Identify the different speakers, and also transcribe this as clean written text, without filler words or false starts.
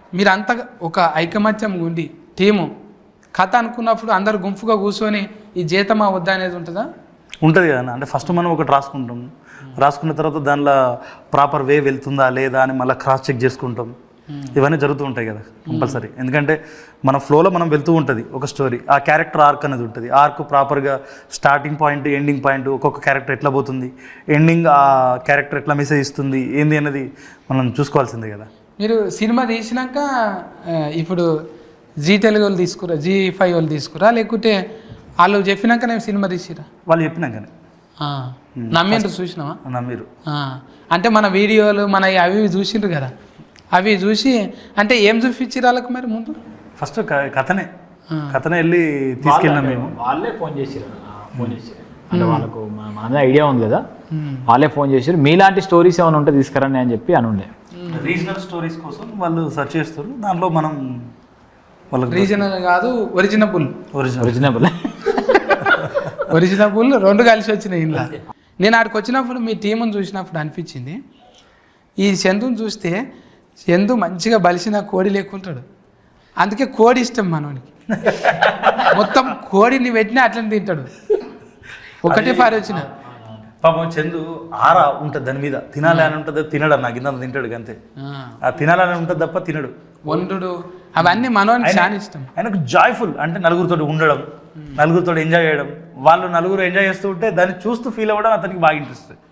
Speaker 1: మీరంతా ఒక ఐకమత్యం ఉండి టీము కథ అనుకున్నప్పుడు అందరు గుంపుగా కూర్చొని ఈ జీతమా వద్దా అనేది ఉంటుందా?
Speaker 2: ఉంటుంది కదా. అంటే ఫస్ట్ మనం ఒకటి రాసుకుంటాం, రాసుకున్న తర్వాత దానిలో ప్రాపర్ వే వెళ్తుందా లేదా అని మళ్ళీ క్రాస్ చెక్ చేసుకుంటాం. ఇవన్నీ జరుగుతూ ఉంటాయి కదా కంపల్సరీ. ఎందుకంటే మన ఫ్లోలో మనం వెళ్తూ ఉంటుంది ఒక స్టోరీ. ఆ క్యారెక్టర్ ఆర్క్ అనేది ఉంటుంది. ఆర్క్ ప్రాపర్గా స్టార్టింగ్ పాయింట్ ఎండింగ్ పాయింట్ ఒక్కొక్క క్యారెక్టర్ ఎట్లా పోతుంది, ఎండింగ్ ఆ క్యారెక్టర్ ఎట్లా మెసేజ్ ఇస్తుంది ఏంది అనేది మనం చూసుకోవాల్సిందే కదా.
Speaker 1: మీరు సినిమా తీసినాక ఇప్పుడు జీ తెలుగు వాళ్ళు తీసుకురా, Zee5 వాళ్ళు తీసుకురా, లేకుంటే వాళ్ళు చెప్పినాక నేను సినిమా తీసిరా?
Speaker 2: వాళ్ళు చెప్పినాకనే
Speaker 1: నమ్మిండ్రు, చూసినావా?
Speaker 2: నమ్మిరు.
Speaker 1: అంటే మన వీడియోలు మన అవి చూసిండ్రు కదా, అవి చూసి అంటే ఏం చూపించారు వాళ్ళకి మరి ముందు?
Speaker 2: ఫస్ట్ కథనే వెళ్ళి తీసుకెళ్ళినాం మేము.
Speaker 3: వాళ్ళే ఫోన్ చేసారు అంటే వాళ్ళకు మన ఐడియా ఉంది కదా, వాళ్ళే ఫోన్ చేశారు మీలాంటి స్టోరీస్ ఏమైనా ఉంటే తీసుకురండి అని చెప్పి అని ఉండే.
Speaker 2: రీజనల్ స్టోరీస్ కోసం వాళ్ళు సెర్చ్ చేస్తారు. దాంట్లో మనం వాళ్ళకి
Speaker 1: రీజనల్ కాదు ఒరిజినబుల్ రెండు కలిసి వచ్చినాయి ఇలా. నేను ఆడికి వచ్చినప్పుడు మీ టీముని చూసినప్పుడు అనిపించింది, ఈ చందుని చూస్తే చందు మంచిగా బలిసిన కోడి లేకుంటాడు, అందుకే కోడి ఇష్టం మనోనికి. మొత్తం కోడిని పెట్టినా అట్లనే తింటాడు. ఒకటే పారి వచ్చిన
Speaker 2: పాపం చందు ఆరా ఉంటుంది దాని మీద, తినాలి అని ఉంటుంది, తినడు. నాకు ఇంత తింటాడు అంతే. ఆ తినాలని ఉంటుంది తప్ప తినడు.
Speaker 1: వండుడు అవన్నీ మనోనికి చాలా ఇష్టం.
Speaker 2: ఆయనకు జాయ్ఫుల్ అంటే నలుగురితో ఉండడం, నలుగురితో ఎంజాయ్ చేయడం. వాళ్ళు నలుగురు ఎంజాయ్ చేస్తూ ఉంటే దాన్ని చూస్తూ ఫీల్ అవ్వడం అతనికి బాగా ఇంట్రెస్ట్.